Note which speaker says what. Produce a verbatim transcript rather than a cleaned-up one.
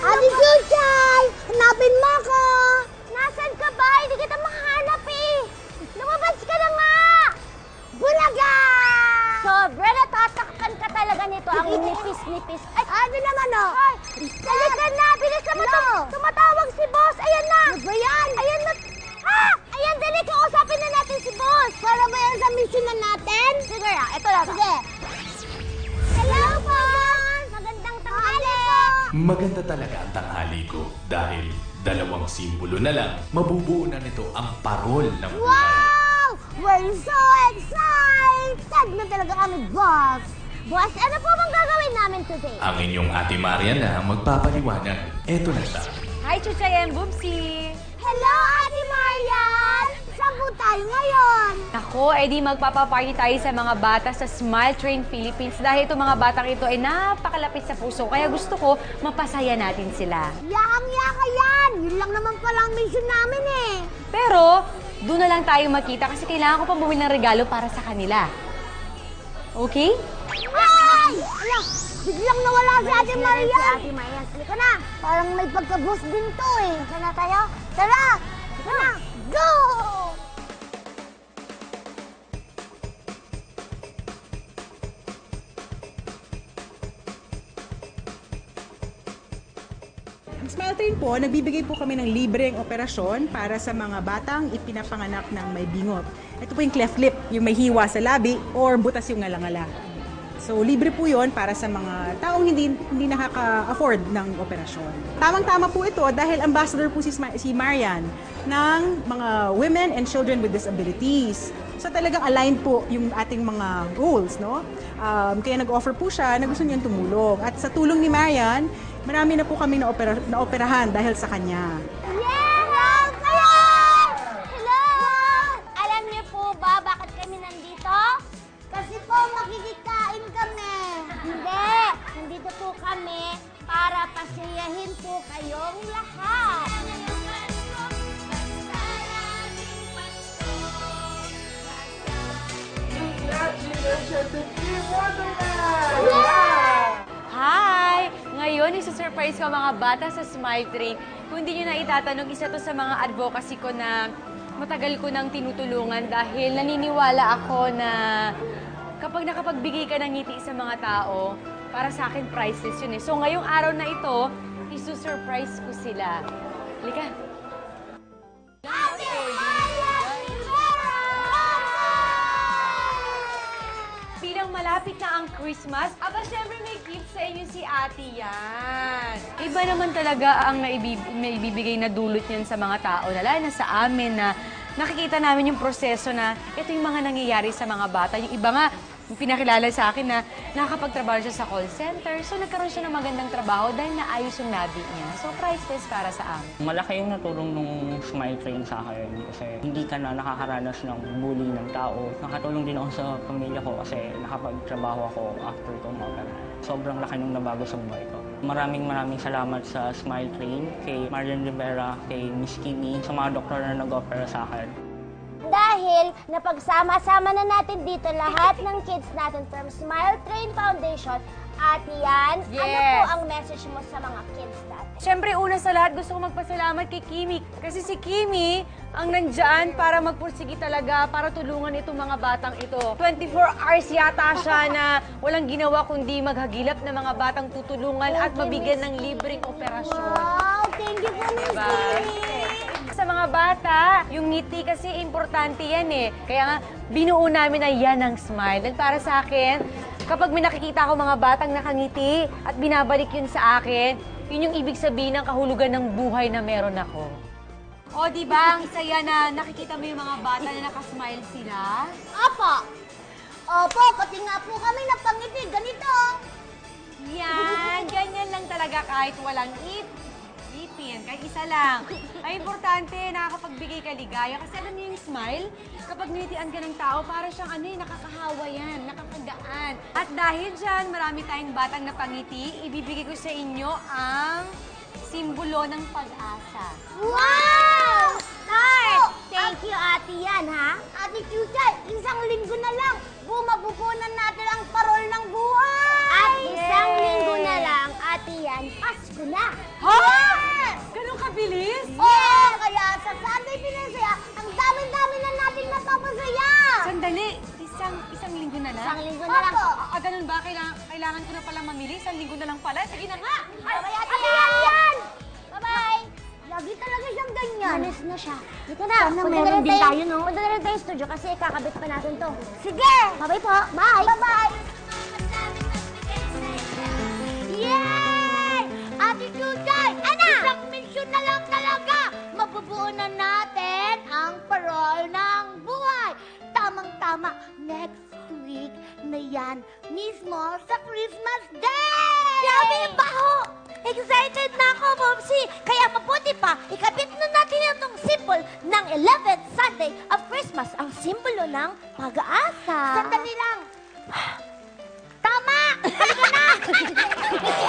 Speaker 1: Ate Chuchay! Hanapin mo ako! Nasaan ka ba? Hindi kita makahanap eh! Lumabas ka na nga! Bulaga! Sobra natatakpan ka talaga nito. Ang nipis-nipis. Ay, ano naman o? Ay, halika na! Bilis na no. Tumatawag si boss! Ayan na! Ano ba yan? Ayan na! Ha! Ayan, dali! Kausapin na natin si boss! Para ba yan sa mission na natin? Sige na, ito lang. Sige. Hello, boss! Magandang tanghali po!
Speaker 2: Maganda talaga ang tanghali ko dahil dalawang simbolo na lang mabubuo na nito ang parol ng buhay.
Speaker 1: Wow! We're so excited na talaga kami, boss! Boss, ano po bang gagawin namin today?
Speaker 2: Ang inyong Ate Marian na ang magpapaliwanag. Eto na siya.
Speaker 3: Hi, Chuchay and Bubsy!
Speaker 1: Hello, Ate Marian! Saan po tayo ngayon?
Speaker 3: Ako, edi magpapaparty tayo sa mga bata sa Smile Train Philippines dahil itong mga batang ito ay napakalapit sa puso. Kaya gusto ko, mapasaya natin sila.
Speaker 1: Yakang-yaka yan! Yun lang naman pala ang mission namin eh!
Speaker 3: Pero, doon na lang tayo makita kasi kailangan ko pang bumili ng regalo para sa kanila. Okay?
Speaker 1: Ay! Ala, biglang nawala si Ate Marian!
Speaker 4: Si Ate Marian, halika na!
Speaker 1: Parang may pagka-boss din to eh!
Speaker 4: Saan na tayo?
Speaker 1: Tara! Tara na! Go!
Speaker 5: Ang Smile Train po, nagbibigay po kami ng libreng operasyon para sa mga batang ipinapanganak ng may bingot. Ito po yung cleft lip, yung may hiwa sa labi or butas yung ngalangala. So, libre po yon para sa mga taong hindi, hindi nakaka-afford ng operasyon. Tamang-tama po ito dahil ambassador po si, si Marian ng mga women and children with disabilities. So, talagang aligned po yung ating mga goals, no? Um, kaya nag-offer po siya na gusto niyang tumulong. At sa tulong ni Marian, marami na po kami na, opera, na operahan dahil sa kanya.
Speaker 1: Yeah! Hello! Hello! Alam niyo po ba bakit kami nandito? Kasi po makikikain kami. Hindi! Nandito po kami para pasayahin po kayong lahat.
Speaker 3: Hi! Ngayon, isusurprise ko mga bata sa Smile Train. Kung hindi nyo na itatanong, isa to sa mga advocacy ko na matagal ko nang tinutulungan dahil naniniwala ako na kapag nakapagbigay ka ng ngiti sa mga tao, para sa akin priceless yun eh. So ngayong araw na ito, isusurprise ko sila. Halika. Bilang malapit na ang Christmas, aba syempre may gift sa inyo si ate yan. Iba naman talaga ang naibib naibibigay na dulot niyan sa mga tao, lalo na sa amin na nakikita namin yung proseso na ito yung mga nangyayari sa mga bata. Yung iba nga, yung pinakilala sa akin na nakakapagtrabaho siya sa call center. So nagkaroon siya ng magandang trabaho dahil naayos yung labi niya. So priceless para sa amin.
Speaker 6: Malaki yung natulong nung Smile Train sa akin kasi hindi ka na nakakaranas ng bully ng tao. Nakatulong din ako sa pamilya ko kasi nakapagtrabaho ako after kong ma-opera. Sobrang laki nung nabago sa buhay ko. Maraming maraming salamat sa Smile Train, kay Marian Rivera, kay Miss Kimi, sa mga doktor na nag-opera sa akin.
Speaker 1: Dahil napagsama-sama na natin dito lahat ng kids natin from Smile Train Foundation. At yan, ano po
Speaker 3: Yes.
Speaker 1: ang message mo sa mga kids natin?
Speaker 3: Siyempre, una sa lahat, gusto ko magpasalamat kay Kimi. Kasi si Kimi ang nandyan para magpursigi talaga, para tulungan itong mga batang ito. twenty-four hours yata siya na walang ginawa kundi maghagilap ng mga batang tutulungan at mabigyan ng libreng operasyon.
Speaker 1: Wow! Thank you po, Miss
Speaker 3: Diba?
Speaker 1: Kimi!
Speaker 3: Sa mga bata, yung ngiti kasi importante yan eh. Kaya nga, binuo namin na yan ang smile. At para sa akin, kapag may nakikita ako mga batang nakangiti at binabalik yun sa akin, yun yung ibig sabihin ng kahulugan ng buhay na meron ako. O, di ba? Ang saya na nakikita mo yung mga bata na nakasmile sila.
Speaker 1: Opo! Opo, pati nga po kami napangiti. Ganito!
Speaker 3: Yan, ganyan lang talaga kahit walang ip. Ipin, kahit isa lang. Ay, importante, nakakapagbigay ka ligaya. Kasi alam niyo yung smile, kapag nilitian ka ng tao, para siyang ano eh, nakakahawa yan, nakakagaan. At dahil dyan, marami tayong batang napangiti, ibibigay ko sa inyo ang simbolo ng pag-asa.
Speaker 1: Wow!
Speaker 3: Start!
Speaker 1: Thank you, Ate Yan, ha? Ate Chuchay, isang linggo na lang, bumabubunan natin ang parol ng buhay! At isang linggo na lang, Ate Yan, Pasko na!
Speaker 3: Ha? Ganun kabilis?
Speaker 1: Oo! Kaya sa Sunday Pinasaya, ang dami-dami na natin napapasaya!
Speaker 3: Sandali, isang isang linggo na lang?
Speaker 1: Isang linggo na lang.
Speaker 3: Ah, ganun ba? Kailangan, kailangan ko na pala mamili? Isang linggo na lang pala? Sige na nga!
Speaker 1: Ay, ate yan! yan! Bye-bye! Lagi talaga siyang ganyan. Manis na siya. Dito na.
Speaker 4: Sana
Speaker 1: Punta
Speaker 4: meron
Speaker 1: na rin
Speaker 4: din tayo, no?
Speaker 1: Punta na rin tayo studio kasi kakabit pa natin to. Sige! Bye-bye po. Bye! Bye-bye! Yay! Ate Chuchay! Ana! Isang misyon na lang talaga! Mabubuo na natin ang parol ng buhay. Tamang-tama, next week na yan mismo sa Christmas Day! Grabe yung baho! Excited na ako, Momsi! Kaya mabuti pa, ikabit na natin itong symbol ng eleventh Sunday of Christmas, ang simbolo ng pag-asa. Sandali lang! Tama! Talaga na!